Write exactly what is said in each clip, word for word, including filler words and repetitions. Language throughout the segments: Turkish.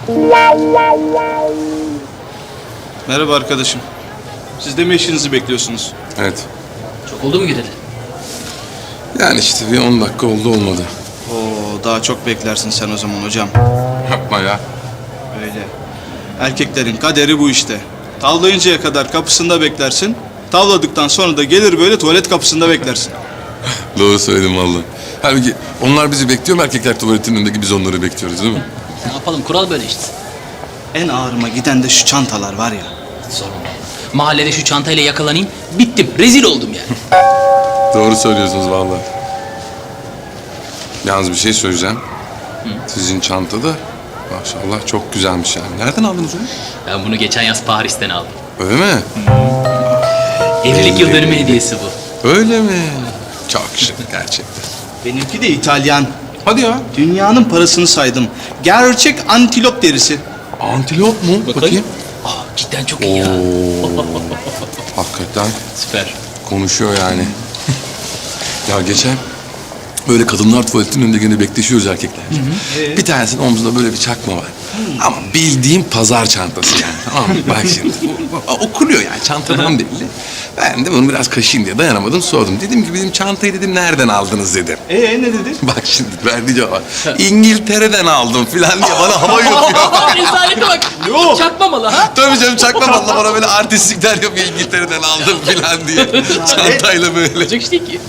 Merhaba arkadaşım. Siz de mi eşinizi bekliyorsunuz? Evet. Çok oldu mu gideli? Yani işte bir on dakika oldu olmadı. Oo, daha çok beklersin sen o zaman hocam. Yapma ya. Öyle. Erkeklerin kaderi bu işte. Tavlayıncaya kadar kapısında beklersin. Tavladıktan sonra da gelir böyle tuvalet kapısında beklersin. Doğru söyledim vallahi. Halbuki onlar bizi bekliyor mu erkekler tuvaletinin önündeki biz onları bekliyoruz değil mi? Ne yapalım, kural böyle işte. En ağrıma giden de şu çantalar var ya. Sorun değil. Mahallede şu çantayla yakalanayım, bittim. Rezil oldum yani. Doğru söylüyorsunuz vallahi. Yalnız bir şey söyleyeceğim. Sizin çantada maşallah çok güzelmiş yani. Nereden aldınız onu? Ben bunu geçen yaz Paris'ten aldım. Öyle mi? Evlilik yıl dönümü hediyesi bu. Öyle mi? Çok şık gerçekten. Benimki de İtalyan. Hadi ya. Dünyanın parasını saydım. Gerçek antilop derisi. Antilop mu? Bakayım. Aa, cidden çok iyi ya. Hakikaten Süper. konuşuyor yani. Ya geçen böyle kadınlar tuvaletinin önünde gene bekleşiyoruz erkekler. Bir tanesinin omzunda böyle bir çakma var. Ama bildiğim pazar çantası yani. Tamam mı? Bak şimdi. O- o- Okunuyor yani çantadan belli. Ben de bunu biraz kaşıyım diye dayanamadım sordum. Dedim ki bizim çantayı dedim nereden aldınız dedim. Ee ne dedi? Bak şimdi verdiği cevap. İngiltere'den aldım filan diye bana hava yapıyor. Aa, rezalete bak. Yok. Çakmamalı ha. Tabii canım çakma valla bana böyle artistlikler yapıyor İngiltere'den aldım filan diye. Çantayla böyle. Olacak işte ki.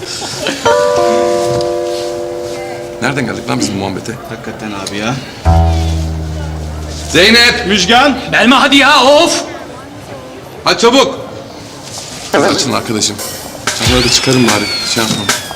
Nereden geldik lan biz bu muhabbete? Hakikaten abi ya. Zeynep! Müjgan. Belma hadi ya, of. Hadi çabuk! Açın arkadaşım. Çanları da çıkarın bari. Şey yapmam.